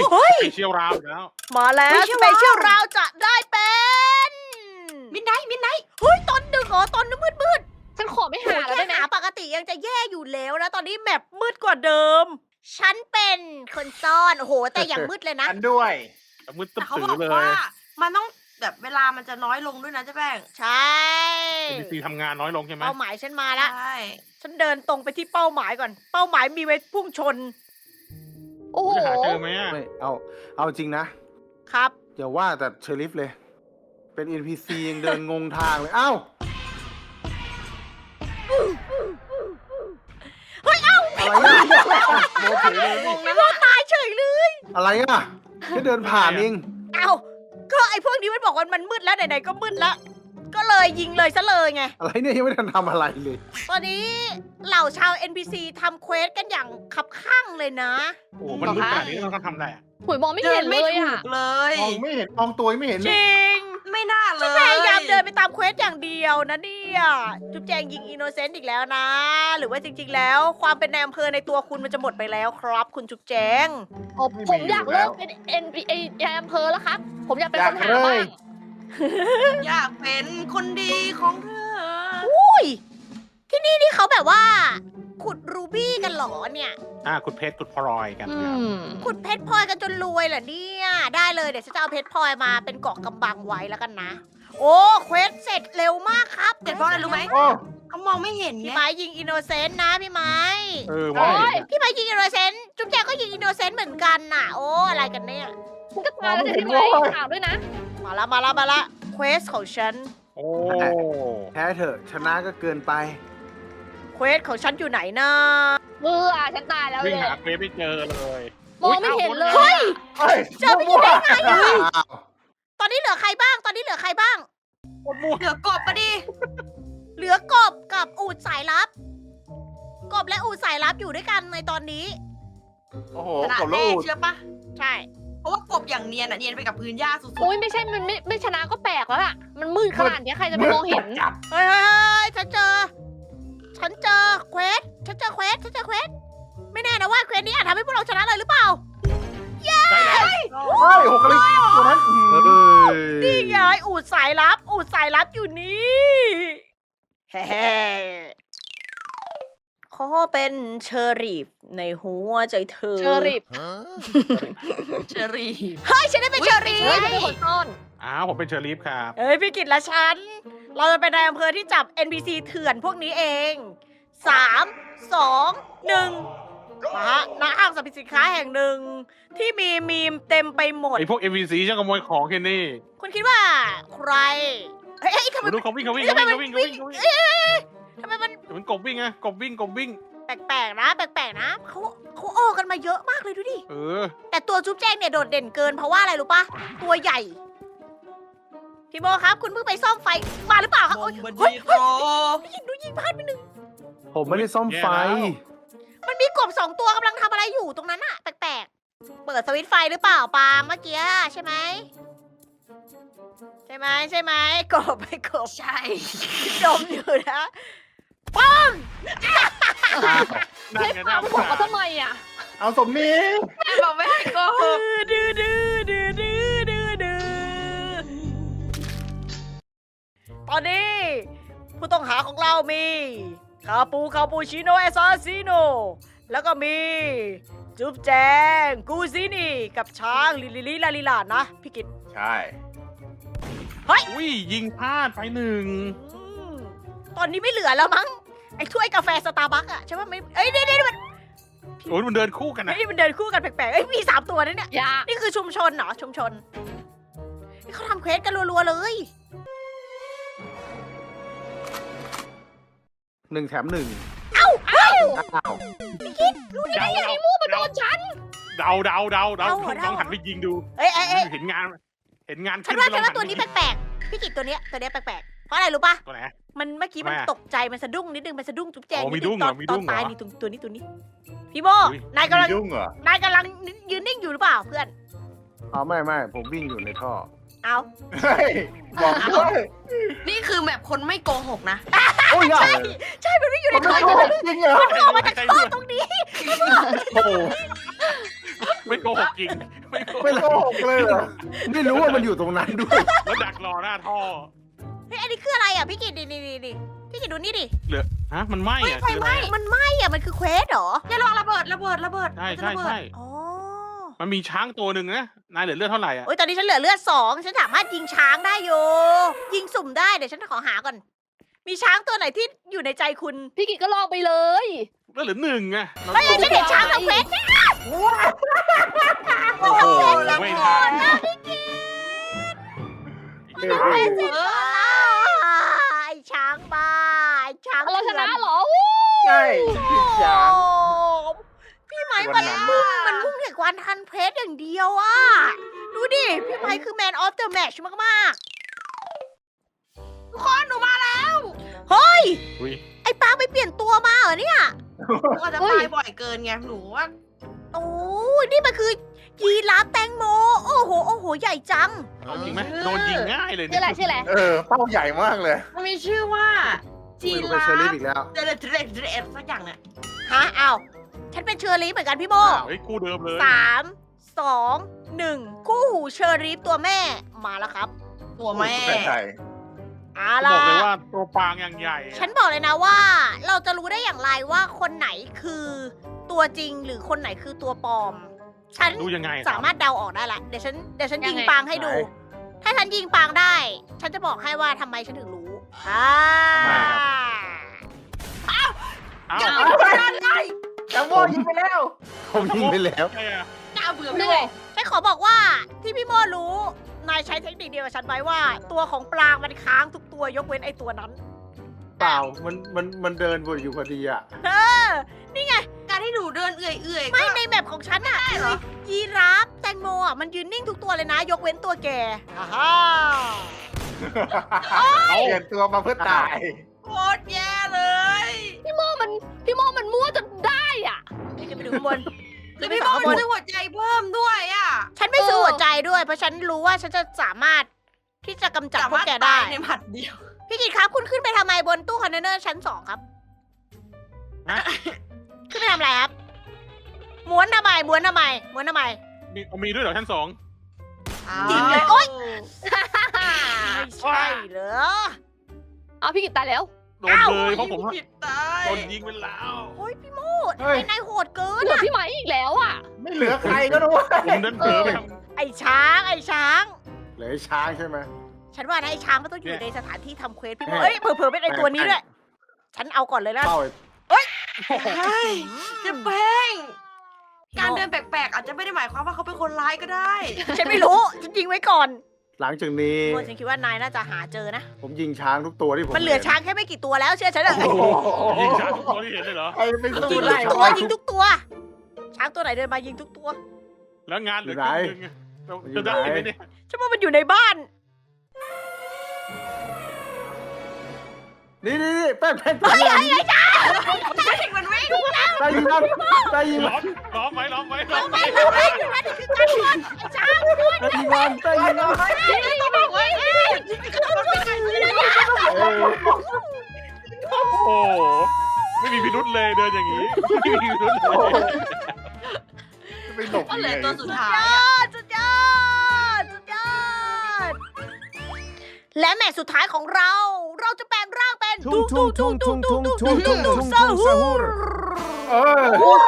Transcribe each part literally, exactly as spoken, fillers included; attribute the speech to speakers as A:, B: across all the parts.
A: เฮ้ย
B: ไปเชี่ยวราวอีกแล้ว
A: มาแล้วสเปเชียลราวจะได้เป็น
C: มิดไนท์มิดไนท์
A: เฮ้ยตอนดึกเหรอตอนมืดมืด
D: ฉันขอไม่
A: ๆ
D: หาแล้ว
A: แค่
D: ได้ไหม
A: หาปกติยังจะแย่อยู่แล้วนะ ตอนนี้แมปมืดกว่าเดิม ฉันเป็นคนซ่อน โอ้โห แต่อย่างมืดเลยนะ
E: อันด้วย
B: แต่มืดตึ๊
C: แต่
B: บ
C: เขา
B: ตื
C: บอก
B: อเลย
C: ว่ามันต้องแบบเวลามันจะน้อยลงด้วยนะเจ๊แป้ง
A: ใช่
B: เอ็นพีซีทำงานน้อยลงใช่ไหม
A: เป้าหมายฉันมาละ
C: ใช่
A: ฉันเดินตรงไปที่เป้าหมายก่อน เป้าหมายมีไว้พุ่งชน
D: โอ้โห
B: จะหาเจอไหมอะ
E: ไม่เอาเอาจริงนะครับ อย่าว่าแต่เชอริฟเลย เป็น เอ็น พี ซี ยังเดินงงทางเลย เอ้า
A: เฮ้ย เอ้า
E: อะไรอ่ะโมเฉยเลย
C: งงนะ
A: เราตายเฉยเลย
E: อะไรอ่ะแค่เดินผ่านเอง
A: เอ้าก็ไอ้พวกนี้มันบอกว่ามันมืดแล้วไหนๆก็มืดแล้ว ก็เลยยิงเลยซะเลยไง
E: อะไรเนี่ยยังไม่ทันทำอะไรเลย
A: ตอนนี้เหล่าชาว เอ็น พี ซี ทำเควสกันอย่างคับข้างเลยนะ
B: โอ้โหมันมืดขนาดนี้เราต้องทำอะไรอะ
D: หุยมองไม่
C: เดิ
D: เห็
C: น
D: น
C: ไม่
D: เลย
C: ถู
D: อ่ะ
C: กเลย
E: มองไม่เห็นมองตัวยังไม่เห็น
A: จ
E: เลย
A: ริง
C: ไม่น่าเลย
A: พยายามเดินไปตามเควสอย่างเดียวนะเนี่ยจุ๊บแจงยิงอินโนเซนต์อีกแล้วนะ หรือว่าจริง ๆ แล้ว ความเป็นนายอำเภอในตัวคุณมันจะหมดไปแล้วครับ คุณจุ๊บแจง
D: โอ้ผมอยากเลิกเป็นเอ็นไออำเภอแล้วครับ ผมอยากเป็นคนหาบ้าง
C: อยากเป็นคนดีของเธอ
A: อุ้ย ที่นี่นี่เขาแบบว่า ขุดรูบี้กันเหรอเนี่ย
B: อ่าขุดเพชรขุดพลอยกัน
D: อื
B: เนี่ย
D: ม
A: ขุดเพชรพลอยกันจนรวยเหรอเนี่ย ได้เลยเดี๋ยวฉันจะเอาเพชรพลอยมาเป็นเกาะกำบังไว้แล้วกันนะ โอ้เควสเสร็จเร็วมากครับ
C: เดี๋ยวเพราะอะไรรู้ไหม
E: โอ้
C: เขามองไม่เห็น
A: พี่
C: ไง
A: ไม้ยิงอินโนเซนต์นะพี่ไม้
B: เออมองไม่เห็นอะ
A: พี่ไม้ยิงอินโนเซนต์จุ๊บแจงก็ยิงอินโนเซนต์เหมือนกันน่ะ โอ้อะไรกันเนี่ย
D: คุณก็ตายแล้วจะทำไมถามด้วยนะ
A: มาละมาละมาละเควสของฉัน
B: โอ้
E: แพ้เถอะชนะก็เกินไป
A: เควสของฉันอยู่ไหนนะ
D: เอออ่ะฉันตายแล้วเล
B: วิ่ง
D: ย
B: หาเควสไม่เจอเลย
D: มองไม่เห็นเลย
A: เฮ้ย
E: เฮ้ย
A: เจอไม่ได้ไงอะ
E: อ้าว
A: ตอนนี้เหลือใครบ้าง ตอนนี้เหลือใครบ้าง
C: เหลือกบปะดิ
A: เหลือกบกับอูดสายลับ กบและอูดสายลับอยู่ด้วยกันในตอนนี้
E: โอ้โห
C: ขนาด
E: กบ
C: แร
E: ลู
C: ก
E: ก
C: เชื่อปะ
A: ใช่
C: เพราะว่ากบอย่างเนียนอ่ะเนียนไปกับพื้นหญ้าสุด
D: โอ้ยไม่ใช่ มันไม่ไม่ชนะก็แปลกแล้วล่ะ มันมืดขนาดนี้ใครจะไปมองเห็น
E: จับ
A: เฮ้ยเฮ้ยเฮ้ยฉันเจอ ฉันเจอเควส ฉันเจอเควส ฉันเจอเควส ไม่แน่นะว่าเควสนี้อาจทำให้พวกเราชนะเลยหรือเปล่า
B: ใช่แล้ว
E: เฮ้ยหกกะลิตัวนั้นเฮ้ย
A: นี่ไงอูดสายลับ อูดสายลับอยู่นี่เฮ้ขอเป็นเชอรีฟในหัวใจเธอ
D: เชอริฟ
C: ๆเชอรี่
A: เฮ้ยฉันได้เป็นเชอรี
D: เฮ้ย
A: ฟ
D: ฉันเป็นคนซ่อน
B: อ้าวผมเป็นเชอรีฟครับ
A: เฮ้ยพี่กิตและฉัน เราจะเป็นนายอำเภอที่จับ เอ็น พี ซี เถื่อนพวกนี้เอง สาม สอง หนึ่งมาฮะณห้างสรรพสินค้าแห่งหนึ่ง ที่มีมีมเต็มไปหมด
B: ไอพวก เอ็ม วี ซี ช่างขโมยของแค่นี้
A: คุณคิดว่าใคร เฮ้ยเฮ้ยทำไม
B: ดูเขาวิ่งเขาวิ่งเขาวิ่งเขาวิ่งเขาวิ่งเขาวิ่ง
A: เอ้ยเอ้ยเอ้ยทำไมมัน
B: เหมือนกบวิ่งไงกบวิ่งกบวิ่ง
A: แปลกๆนะ แปลกๆนะเขาเขาโอ้กันมาเยอะมากเลยดูดิ
B: เออ
A: แต่ตัวจุ๊บแจงเนี่ยโดดเด่นเกินเพราะว่าอะไรรู้ปะตัวใหญ่ พี่โมครับ คุณเพิ่งไปซ่อมไฟมาหรือเปล่าครับ
C: ม
A: โอ๊ย
C: งบ
A: เฮ้ย
C: ดีโป
A: เฮ้ยยิงดูยิงพลาดไปหนึ่ง
E: ผมไม่ได้ซ่อมไฟ
A: มันมีกบสองตัวกำลังทำอะไรอยู่ตรงนั้นอะแปลกๆ เปิดสวิตช์ไฟหรือเปล่าปาล์มเมื่อกี้ใช่ไหม ใช่ไหมใช่ไหมกบไปกบ
C: ใช่
A: จมอยู่นะปัง
B: นั่น
D: เฮ้ย
B: ไง
D: ปา
B: น่า
D: ผม
B: ส
D: บอก
B: ง
D: เขา
B: สาร
D: ทำไมอ่ะ
E: เอาสมนี้
C: แม่บอกไม่ให้โกหก
A: ดื้อดื้อดื้อดื้อดื้อดื้อตอนนี้ ผู้ต้องหาของเรามี คาปูคาปูชิโนเอซาซิโนแล้วก็มี จุ๊บแจง กูซินี่ กับช้างลิลิลิลาลิลานะ พี่กิต
E: ใช่
B: อุ้ยยิงพลาดไปหนึ่ง
A: อืมตอนนี้ไม่เหลือแล้วมั้ง ไอ้ถ้วยกาแฟสตาร์บัคอะใช่ไหมไม่เอ้ยนี่นี่มัน
B: โอ้ยมันเดินคู่กันนะ
A: เฮ้ยมันเดินคู่กันแปลกๆเอ้ยมีสามตัวนะเนี่ย
D: อย่า
A: นี่คือชุมชนเหรอ ชุมชนนี่เขาทำเควสกันรัวๆเลย
E: หนึ่งแถมหนึ่ง
A: เอ้าเอ้า
E: อ้าว
B: เดาเดา
D: มูมาโดนฉัน
B: เดาเดาเดาเดา
A: เดาเหรอ
B: ลองหันไปยิงดู
A: เอ้ยเอ้ยเอ้ย
B: เห็นงาน เห็นงาน
A: ฉัน
B: ขึ้
A: ว่า
B: ไป
A: ฉัน
B: ลอง
A: ว่า
B: หั
A: ตัวนี้
B: ไป
A: แปลกๆ พี่กิตตัวเนี้ยตัวเนี้ยแปลกๆ เพราะอะไรรู้ปะ
B: ตัวไหน
A: มันเมื่อกี้มัน
B: ทำไมอะ
A: ตกใจมันสะดุ้งนิดนึงมันสะดุ้งจุ๊บแจง
B: อ๋อมี
A: นินึ
B: ดุ้งเหร
A: ต
B: อ
A: อน
B: มี
A: ต
B: ดุ้
A: อน
B: งเหรอ
A: ตายนี่ตรงตัวนี้ตัวนี้ พี่โบ
B: อุ๊ย
A: นายกำลัง
E: ยุ่งเหรอน
A: ายกำลังยืนนิ่งอยู่หรือเปล่าเพื่อน
E: เอาไม่ไม่ผมวิ่งอยู่ในท่อ
A: เอา
E: เฮ้ยบอกด้วย
C: นี่คือแบบคนไม่โกหกนะ
E: โอ้ยใช่
A: ใช่มันไม่อยู่ใน
E: มัน
A: ท่
E: ไม่
A: อ
E: โกหกจริงเหรอ
A: มันออกมาจากท่อตรงนี้
E: โอ้โห
B: ไม่โกหกจริงไม่โก
E: ไม่
B: ห
E: โก
B: ก
E: หกเลยเหรอไม่รู้ว่ามันอยู่ตรงนั้นด้วย
B: แล้วดักรอหน้าท่อ
A: เฮ้ยอันนี้คืออะไรอ่ะพี่กิตดิดิดิดิพี่กิตดูนี่ดิ
B: เหลือฮะมันไหม้
C: เฮ้ย
B: อะ
C: ไฟ
B: คือ
C: ไห
B: อะไร
C: ม้
B: อะ
A: มันไหม้อ่ะมันคือเควสเหรอ
C: อย่าลองระเบิดระเบิดระเบิด
B: ใช่
C: มันจะ
B: ใช่
C: ระเบิด
B: ใช่
A: อ๋อ
B: มันมีช้างตัวหนึ่งนะนายเหลือเลือดเท่าไหร่อ่ะ
A: โอ้ยตอนนี้ฉันเหลือเลือดสองฉันสามารถยิงช้างได้อยู่ยิงสุ่มได้เดี๋ยวฉันขอหาก่อน มีช้างตัวไหนที่อยู่ในใจคุณ
D: พี่กิจก็ลองไปเลย
B: เลือดเหลือหนึ่งไง
A: เฮ้ยฉันเห็นช้างทำเควส
B: โอ้โหไม่ทัน
E: เออ
C: เออ
A: ไอ้ช้างบ้าไอ้ช้าง
D: เราชนะ
A: ถื่อ
D: เหรอวู้
E: ใช่ผิดช้าง
A: โอ้พี่ไม้มันมุ่งมันมุ่งแต่การทันเพชรอย่างเดียวอะดูดิ พี่ไม้คือแมนออฟเดอะแมชมาก
C: ทุกคนหนูมาแล้ว
A: ๆ เฮ้ย
B: อุ้ย
A: ไอ้ปางไปเปลี่ยนตัวมาเหรอเนี่ย
C: หนูอาจจะตายบ่อยเกินไงหนูว่า
A: โอ้ยนี่มันคือยีราฟแตงโม โอ้โห โอ้โห ใหญ่จัง
B: เอาจริงไหมโดนยิงง่ายเลย
D: ชื่อ
B: เนี่
D: อะไร
B: ย
D: ชื่ออะไร
E: เออเป้าใหญ่มากเลย
C: มันมีชื่อว่าจี
E: ไม่รู้เป็น
C: รา
E: เชอรี่
C: ฟ
E: อีกแล้ว
C: เดลเดลเดลสักอย่างเนี่ย
A: ฮะอ้าวฉันเป็นเชอรี่เหมือนกันพี่โม
B: เฮ้ยคู่เดิมเลย
A: สามสองหนึ่งคู่หูเชอรี่ตัวแม่มาแล้วครับ
C: ตัวแม่
E: ใช่
A: เอา
B: บ
A: ล่ะ
B: อกเลยว่าตัวปางอย่างใหญ่อะ
A: ฉันบอกเลยนะว่า เราจะรู้ได้อย่างไรว่าคนไหนคือตัวจริงหรือคนไหนคือตัวปลอม ฉัน
B: ดูยังไง
A: สามารถเดาออกได้ละเดี๋ยวฉันเดี๋ยวฉัน
D: ยั
A: ยิ
D: ง
A: ง
D: ไง
A: ปางให้ดู ถ้าฉันยิงปางได้ ฉันจะบอกให้ว่าทำไมฉันถึงรู้อ่า
B: อ้าว
C: อย่าไปกดดันเลย
E: จัมโบ้ยิงไปแล้ว ผมยิงไปแล้ว
B: ใช่อะ
C: น่าเบื่อ
D: นี่
C: ไม่
D: ไง
C: บอก
A: ฉันขอบอกว่าที่พี่โมรู้ นายใช้เทคนิคเดียวกับฉันไว้ว่า ตัวของปลางมันค้างทุกตัวยกเว้นไอตัวนั้น
E: เปล่า มันมันมันเดินวนอยู่พอดีอ่ะ
A: เออ นี่ไง
C: การที่หนูเดินเอื่อยๆ
A: ไม่
C: ก็
A: ในแบบของฉันอะ
C: ได้เหรอ
A: ยีราฟแตงโมอะมันยืนนิ่งทุกตัวเลยนะ ยกเว้นตัวแกอ่าฮะ
E: เปลี่ยนตัวมาเพื่อตาย
C: โคตรแย่เลย
D: พี่โมมันพี่โมมันมั่วจนได้อ่ะ
A: เดี๋ยวจะไปดูข้างบน
C: คือพี่โมมันซื้อหัวใจเพิ่มด้วยอ่ะ
A: ฉันไม่ซื้อ
D: เออ
A: หัวใจด้วย เพราะฉันรู้ว่าฉันจะสามารถที่จะกำจัดพวกแกได้
C: สามารถตายในหมัดเดียว
A: พี่กิตครับ คุณขึ้นไปทำไมบนตู้คอนเทนเนอร์ชั้นสองครับ
B: ฮะ
A: ขึ้นไปทำอะไรครับ ม้วนทำไม ม้วนทำไม ม้วนทำไม
B: มีมีด้วยเหรอชั้นสอง
A: จริงเลยโอ๊ย ไม่ใช่เหรอ
D: เอาพี่กิจตายแล้ว
B: โดนเลยเพราะผม
C: ผิดตาย
B: โดนยิงไปแล้ว
A: โอ้ยพี่โมด
E: เฮ้ย
A: ไอ้นายโหดเกิน
D: เหลือ
A: อะ
D: พี่ไหมอีกแล้วอ่ะ
E: ไม่เหลือใครก็รู้ว่า
B: ผมเดินเผลอไปท
A: ไอ้ช้าง ไอ้ช้าง
E: เหลือไอ้ช้างใช่ไหม
A: ฉันว่านะไอ้ช้างมันต้องอยู่ในสถานที่ทำเควสพี่โม
E: แม่
A: เอ้ยเผลอๆเป็นไอ้ตัวนี้ด้วย ฉันเอาก่อนเลยนะ
E: เป้า
C: ใช่จะแป้ง การเดินแปลกๆ อาจจะไม่ได้หมายความว่าเขาเป็นคนร้ายก็ได้
A: ฉันไม่รู้ ฉันยิงไว้ก่อน
E: หลังจากนี้
A: โมฉันคิดว่านายน่าจะหาเจอนะ
E: ผมยิงช้างทุกตัวที่ผม
A: มันเหลือช้างแค่ไม่กี่ตัวแล้วเชื่อฉันเถอะ
E: โอ้โห
B: ำยิงช้างตัวที่เห็นเลยเหรอ
E: ใครเป็น
A: ยิ
E: สู้
A: งทุ
E: ไล่
A: กตัวยิงทุกตัว ช้างตัวไหนเดินมายิงทุกตัว
B: แล้วงานเหลือครึ่งหนึงอะเราจะได้ไหมเนี่ย
A: ฉันว่ามันอยู่ในบ้าน
E: นี่นี่นี่แป้งแป้งแป้ง
C: ไม่ถึงมันวิ่ง
E: แป้งยิงมันแป้งยิงมัน
B: ล้อมล้อมไว้ล้อมไว้ล้อม
A: ไม่
B: ไว้
A: ไม่ไม่อยู่นั่นนี่คือการบอลไอ้ช้างด้วย
E: แป้งยิงมันแป้งยิงมัน เออ
B: โอ้โหไม่มีพิรุษเลยเดินอย่างนี้ไม่มีพิรุษเลย
E: ไปหลบ
C: ก็เหลือ
E: ยังไง
C: ตัวสุด
A: สุด
C: ท้าย
A: ย
C: อะ
A: อดสุดยอดสุดยอดและแมตช์สุดท้ายของเรา เราจะแปลงร่างเป็น
E: ทุ่งทุ่งทุ่งทุ่งทุ่งทุ่งทุ่งทุ่ง
A: ซา
E: ทุ่ง
A: ฮู
E: ซาฮูรเออ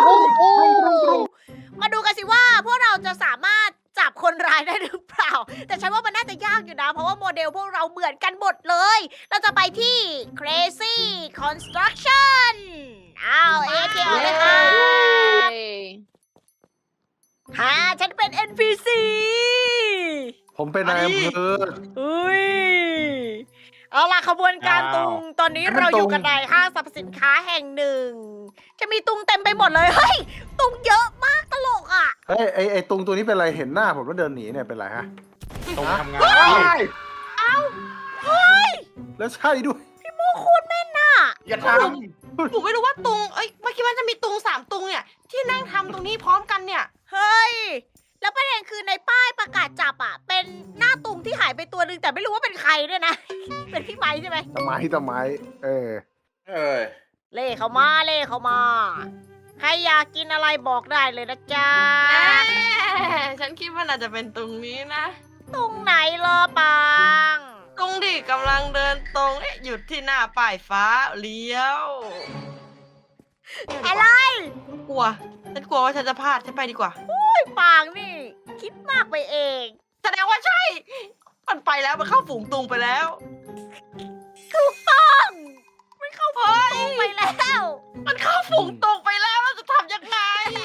A: มาดูกันสิว่าพวกเราจะสามารถจับคนร้ายได้หรือเปล่า แต่ฉันว่ามันน่าจะยากอยู่นะ เพราะว่าโมเดลพวกเราเหมือนกันหมดเลย เราจะไปที่ Crazy Construction อ้าวเอทีออกเลยค่ะฮะฉันเป็น เอ็น พี ซี
E: ผมเป็นนายอำเภอ
A: อุ้ย เอาล่ะขบวนการตุง ตอนนี้เราอยู่กันในห้างสรรพสินค้าแห่งหนึ่ง จะมีตุงเต็มไปหมดเลย เฮ้ย ตุงเยอะมากตลกอ่ะ
E: เฮ้ยไอไอตรงตัวนี้เป็นไรเห็นหน้าผมแล้วเดินหนีเนี่ยเป็นไรฮะ
B: ตรงทำงาน
E: เอ้าเฮ้ยแล้วใช่ด้วย
A: โมคุณแม่นน่ะ
E: อย่าท
C: หนูไม่รู้ว่าตุง เอ้ยเมื่อกี้มันจะมีตุงสามตุงเนี่ย ที่นั่งทำตรงนี้พร้อมกันเนี่ย
A: เฮ้ย แล้วประเด็นคือในป้ายประกาศจับอ่ะ เป็นหน้าตุงที่หายไปตัวหนึ่งแต่ไม่รู้ว่าเป็นใครด้วยนะ เป็นพี่ไม้ใช่ไหม
E: ำตะไม้ตะไม้เออ
F: เออ
A: เล่เขามาเล่เขามา ใครอยากกินอะไรบอกได้เลยนะจ๊ะ
C: ฉันคิดว่าน่าจะเป็นตรงนี้นะ
A: ตรงไหนเหรอปัง
C: ตรงที่กำลังเดินตรงเอ๊ะหยุดที่หน้าป้ายฟ้าเลี้ยว
A: อะไร
C: ฉันกลัว ฉันกลัวว่าฉันจะพลาดฉันไปดีกว่า
A: ปังนี่ คิดมากไปเอง
C: แสดงว่าใช่ มันไปแล้วมันเข้าฝูงตุงไปแล้ว
A: ถูกต้องไม่เข้าฝูงตุงไปแล้ว
C: มันเข้าฝูงตุงไปแล้วเราจะทำยังไง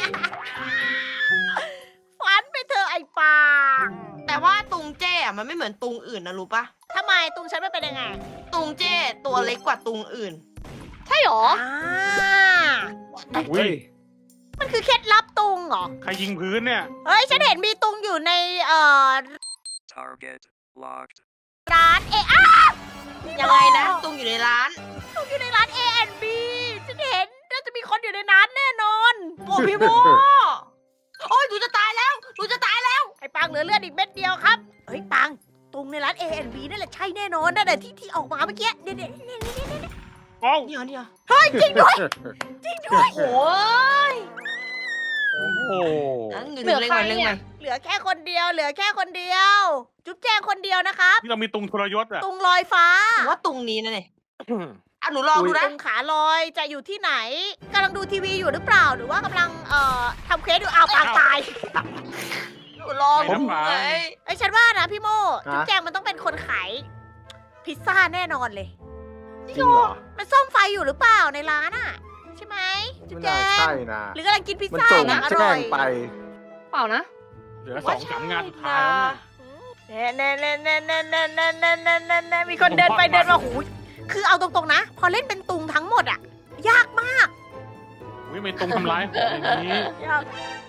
A: ฝันไปเถอะไอ้ปัง
C: แต่ว่าตุงเจ้อะมันไม่เหมือนตุงอื่นนะรู้ปะ
A: ทำไมตุงฉันไม่เป็นยังไง
C: ตุงเจ้ตัวเล็กกว่าตุงอื่น
D: ใช่หรอ
A: อ่า
B: อุ้ย
A: มันคือเคล็ดลับตุงเหรอ
B: ใครยิงพื้นเนี่ย
A: เฮ้ย ฉันเห็นมีตุงอยู่ในเอ่อ
F: Target locked.
A: ร้านเออา
C: ยังไงนะ ตุงอยู่ในร้าน
A: ตุงอยู่ในร้าน เอ แอนด์ บี ฉันเห็นน่าจะมีคนอยู่ในนั้นแน่นอน
C: โอ้พี่โมโอ้ยหนูจะตายแล้วหนูจะตายแล้ว
A: ไอ้ปังเหลือเลือดอีกเม็ดเดียวครับ เฮ้ยปังตุงในร้าน เอ แอนด์ บี นั่นแหละใช่แน่นอนนั่นแหละที่ที่ออกมาเมื่อกี้เนี่ยเนี่ยเนี่ยเนี่ยเนี่ย
B: เอ้า
C: เนี่ยเนี่ย
A: เฮ้ยจริงด้วยจริงด้วย
C: โอ้ย
B: โอ้โห
C: งั้นเงินเล่นไปเล่นไป
A: เหลือแค่คนเดียว เหลือแค่คนเดียว จุ๊บแจงคนเดียวนะครับ
B: นี่เรามีตุงทรยศอ่ะ
A: ตุงลอยฟ้า
C: หนูว่าตุงนี้นะเนี่ยอ่ะหนูลองดูนะ
A: ตุงขาลอยจะอยู่ที่ไหนกำลังดูทีวีอยู่หรือเปล่า หรือว่ากำลังเอ่อทำเควสอยู่อ้าวปางตาย
C: หนูลองดูไง
A: ไอ้ยฉันว่านะพี่โม
E: ฮะ
A: จุ๊บแจงมันต้องเป็นคนขายพิซซ่าแน่นอนเลย
E: จริงเหรอ
A: มันซ่อมไฟอยู่หรือเปล่าในร้านอ่ะ ใช่ไหมจุ๊บ
E: ไม่
A: แจ
E: น่าง ใช่นะ
A: หรือกำลังกินพิซ
E: มัน
A: ซ่า
E: จ
A: อง ย่างอ
E: แจ้
A: ร่อง ย
E: ไป
D: เปล่านะ
B: เหลือสองสามงานสุดท้ายแล้วเนี่ย
A: เน่เน่เน่เน่เน่เน่เน่เน่เน่เน่เน่มีคนเดินไปเดินมาหูยคือเอาตรงๆนะ พอเล่นเป็นตุงทั้งหมดอ่ะ ยากมาก
B: อุ้ยไม่ตุงทำร้ายผมอย่างนี้
A: ยาก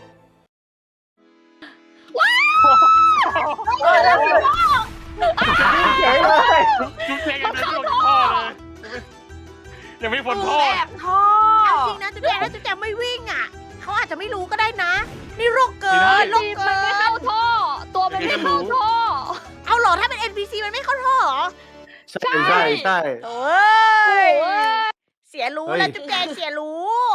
E: เฉยเลย
B: จุ๊บเจงยังไม่ลงท่อเลยยังไม่พ้น
C: หนู
B: ท่อ
C: แอบท่อ
A: เอาจริงนะจุ๊บแจงถ้าจุ๊บแจงไม่วิ่งอ่ะเขาอาจจะไม่รู้ก็ได้นะ นี่โรคเกินโรค
D: มัน
A: เกิ
D: ไม่เข้าน ท่อ ตัวมันไม่เข้าท่อ
A: เอาเหรอถ้าเป็น เอ็น พี ซี มันไม่เข้าท่อเหรอ
E: ใช่ใช่ใช่
A: โอ้
D: โอ้
A: ย
D: ย
A: เสียรู้
E: เฮ้ย
A: แล้วจุ๊บแจงเสียรู้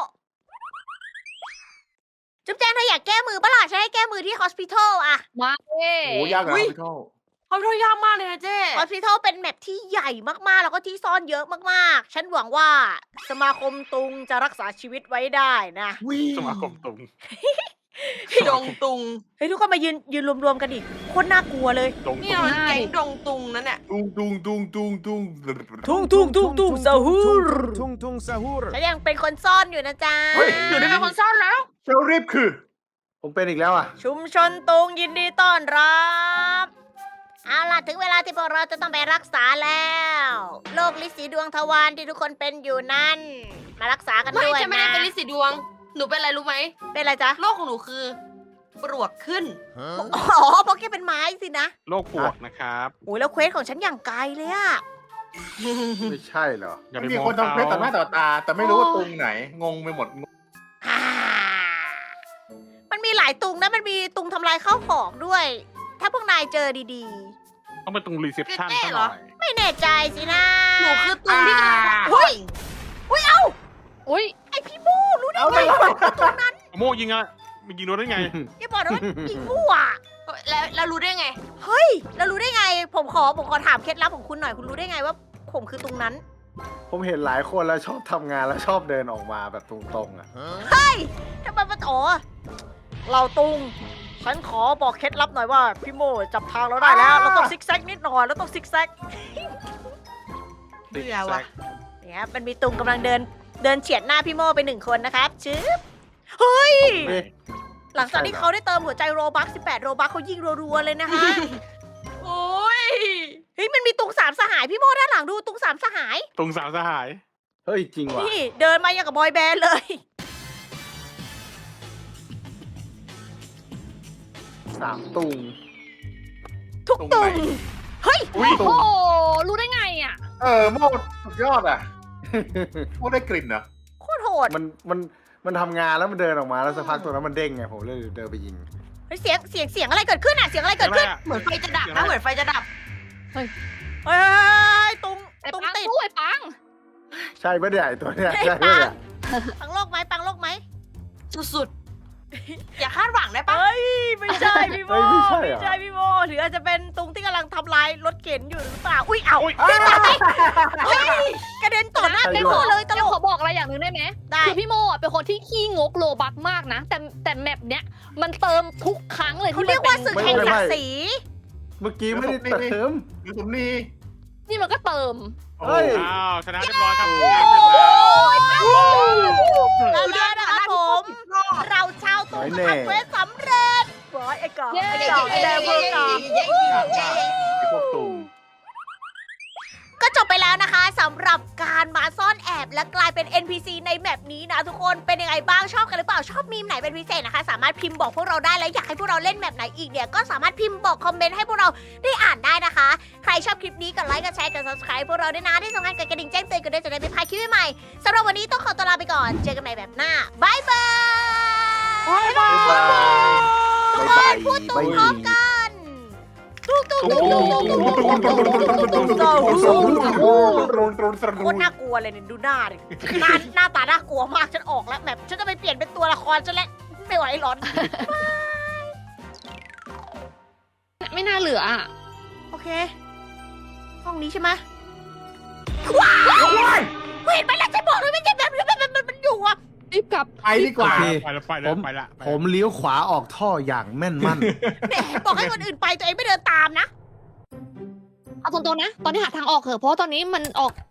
A: จุ๊บแจงเธออยากแก้มือปะล่ะฉันให้แก้มือที่ hospital อะ
D: มาเอ้
E: โอ้ยากนะพี่โทษ
C: เขาท่อยากมากเลยนะเจ้
A: hospital เป็นแมปที่ใหญ่มากๆ แล้วก็ที่ซ่อนเยอะมากๆ ฉันหวังว่าสมาคมตุงจะรักษาชีวิตไว้ได้นะ
B: สมาคมตุง
C: ดงตุง
A: เฮ้ยทุกคนมายืนยืนรวมๆกันดิโคตรน่ากลัวเลย
B: ตุง
C: นี่เราแก๊งดงตุงนั่นแหละ
E: ตุงตุงตุงตุงตุง
A: ทุ่งทุ่งทุ่งทุ่งซาฮูร
G: Tung tung sahur.
A: ฉันยังเป็นคนซ่อนอยู่นะจ๊ะ
E: เฮ้ย
C: อยู่ในเป็นคนซ่อนแล้ว
E: เชลรีบคือ ผมเป็นอีกแล้วอ่ะ
A: ชุมชนตุงยินดีต้อนรับเอาล่ะถึงเวลาที่พวกเราจะต้องไปรักษาแล้วโรคลินสีดวงทวารที่ทุกคนเป็นอยู่นั่น มารักษากัน
C: ไม่
A: ด้วย
C: ฉันไม่
A: นะ
C: ได้เป็นลิสีดวง หนูเป็นอะไรรู้ไหม
A: เป็นอะไรจ๊ะ
C: โรคของหนูคือ ปลวกขึ้น
G: Huh?
A: อ๋อเพราะแกเป็นไม้สินะ
B: โรคปวกนะครับ
A: โอ้ยแล้วเควสของฉันอย่างไกลเลยอะ
E: ไม่ใช่เหรอ
B: อย่าไป
H: มี
B: มอง
H: คนทำเพชรต่อหน้าต่อตา แต่ไม่รู้ว่าตุงไหน งงไปหมด
A: ฮ่ามันมีหลายตุงนะมันมีตุงทำลายข้าวของด้วย ถ้าพวกนายเจอดี
B: ต้องไปตรงรีเซพชัน
C: แน่
B: ซะ
C: เห
B: ห
C: ร
B: น่
C: อ
B: อย
A: ๆ ไม่แน่ใจสินะ
C: หนูคือตุงที่กำลังพัก
A: เฮ้
C: ผ่อน
A: ย อุ้ยเอ้า
D: อุ้ย
A: ไอพี่บูรู้ได้ไงว่าคือตรงนั้น
B: โมยิงอะมันยิงโดนได้ไง
A: อย่าบอกนะว่ายิงมั่ว
C: แล้วแล้วรู้ได้ไง
A: เฮ้ย แล้วรู้ได้ไง ผมขอผมขอถามเคล็ดลับของคุณหน่อย คุณรู้ได้ไงว่า ผมคือตรงนั้น
E: ผมเห็นหลายคนแล้วชอบทำงานแล้วชอบเดินออกมาแบบตรงๆอ่ะ
G: Huh?
A: เฮ้ยทำไมมันอ๋อเราตุง ฉันขอบอกเคล็ดลับหน่อยว่า พี่โมจับทางเราได้แล้ว เราต้องซิกแซกนิดหน่อย เราต้องซิกแซก
C: เบื่อว่ะ
A: เนี่ยครับมันมีตุงกำลังเดิน เดินเฉียดหน้าพี่โมไปหนึ่งคนนะครับชึบเฮ้ย
E: เอ๊ะ
A: หลังจากที่เขาได้เติมหัวใจโรบักสิบแปดโรบักเขายิงรัวๆเลยนะคะ
C: โอ้ย
A: เฮ้ยมันมีตุงสามสหายพี่โมด้านหลังดูตุงสามสหาย
B: ตุงสามสหาย
E: เฮ้ยจริงว่ะ
A: นี่เดินมาอย่างกับบอยแบนด์เลย
E: สามตุง
A: ทุกตุง เฮ้ย
B: อุ้ย
D: โอ้โหรู้ได้ไงอ่ะ
H: เออโมดสุดยอดอ่ะ โมดได้กลิ่นเหรอ
A: โคตรโหด
E: มันมันมันทำงานแล้วมันเดินออกมาแล้วสักพักตัวนั้นมันเด้งไงผมเลยเดินไปยิง
A: เฮ้ยเสียงเสียงเสียงอะไรเกิดขึ้นอ่ะเสียงอะไรเกิดขึ้น
C: เหมือนไฟจะดับนะเหมือนไฟจะดับ
A: เฮ้ยตุง
D: ไอ้
A: ตุง
D: ปัง
A: ติด
D: สู้ไอ้ปัง
E: ใช่ปะเนี่ยไอ้ตัวเนี้ย
A: ไอ้
E: ใช่
A: ปั
E: ปะ
A: ง
E: เนี่ย
A: ปังโลกไหมปังโลกไหม
C: สุดๆ อย่าคาดหวังได้ปะ
A: เฮ้ยไม่ใช่พี่โม
E: เฮ้ยไม่ใช่เหรอ
A: ไม่ใช่พี่โมหรืออาจจะเป็นตรงที่กำลังทำลายรถเข็นอยู่หรือเปล่าอุ้ยเอา
B: อุ๊ย
A: พี่ตายเฮ้ยกระเด็นต่อหน้า
E: ใช่
A: พี่
E: ด้
A: โม
E: วย
A: เลยตล
D: เดี๋ยว
A: ก
D: ขอบอกอะไรอย่างหนึ่งได้ไหม
A: ได้
D: คือพี่โมอ่ะเป็นคนที่ขี้งกโลบักมากนะ แต่แต่แมปเนี้ยมันเติมทุกครั้งเลย
A: เขา
D: ที่
A: เรียกว่า
D: มัน
A: ศึก
D: เป็น
A: แห่งศักดิ์ศรี
E: เมื่อกี้ไม่ได้เติม
H: หรือผมนี่
D: นี่มันก็เติม
E: เฮ้ย
B: อ้าวชนะเรียบร้อยครับ
A: แล้วแล้วนะครับผม เราชาวตูนก็ทำเควสสำเร็จบอยไอ้กา
D: เย้
A: ไอ้กาไอ้แดงเบอร์กา
E: ไอ้พวกตุ่ม
A: ก็จบไปแล้วนะคะสำหรับการมาซ่อนแอบและกลายเป็น เอ็น พี ซี ในแมปนี้นะทุกคนเป็นยังไงบ้างชอบกันหรือเปล่าชอบมีมไหนเป็นพิเศษนะคะ สามารถพิมพ์บอกพวกเราได้และอยากให้พวกเราเล่นแมปไหนอีกเนี่ยก็สามารถพิมพ์บอกคอมเมนต์ให้พวกเราได้อ่านได้นะคะ ใครชอบคลิปนี้กดไลค์กดแชร์กด subscribe พวกเราด้วยนะที่สำคัญกดกระดิ่งแจ้งเตือนกันด้วยจะได้ไม่พลาดคลิปใหม่ๆสำหรับวันนี้ต้องขอตัวลาไปก่อนเจอกันใหม่แบบหน้าบายบายบายบายทุกคนพูดตุ้มพร้อมกันตุ้มตุ้มตุ้มตุ้มตุ้มตุ้มตุ้มตุ้มตุ้ม โคตรน่ากลัวเลยเนี่ยดูหน้าดิหน้าหน้าตาน่ากลัวมากฉันออกแล้วแบบฉันจะไปเปลี่ยนเป็นตัวละครฉันแล้วไม่ไหวหรอน
D: ไม่น่าเหลืออ่ะ
A: โอเค ห้องนี้ใช่ไหมว้าวเห็นไหมล่ะฉันบอกเลยไม่ใช่แบบนี้มันมันมันอยู่อ่ะ
D: รีบกลับ
H: ไปดีกว่า
E: โอเค
B: ไปแล้วไปแล้วไปละ
E: ผมเลี้ยวขวาออกท่ออย่างแม่นมั่น
A: แหมบอกให้คนอื่นไปตัวเองไม่เดินตามนะ
D: เอาตรงๆนะ ตอนนี้หาทางออกเถอะเพราะว่าตอนนี้มันออก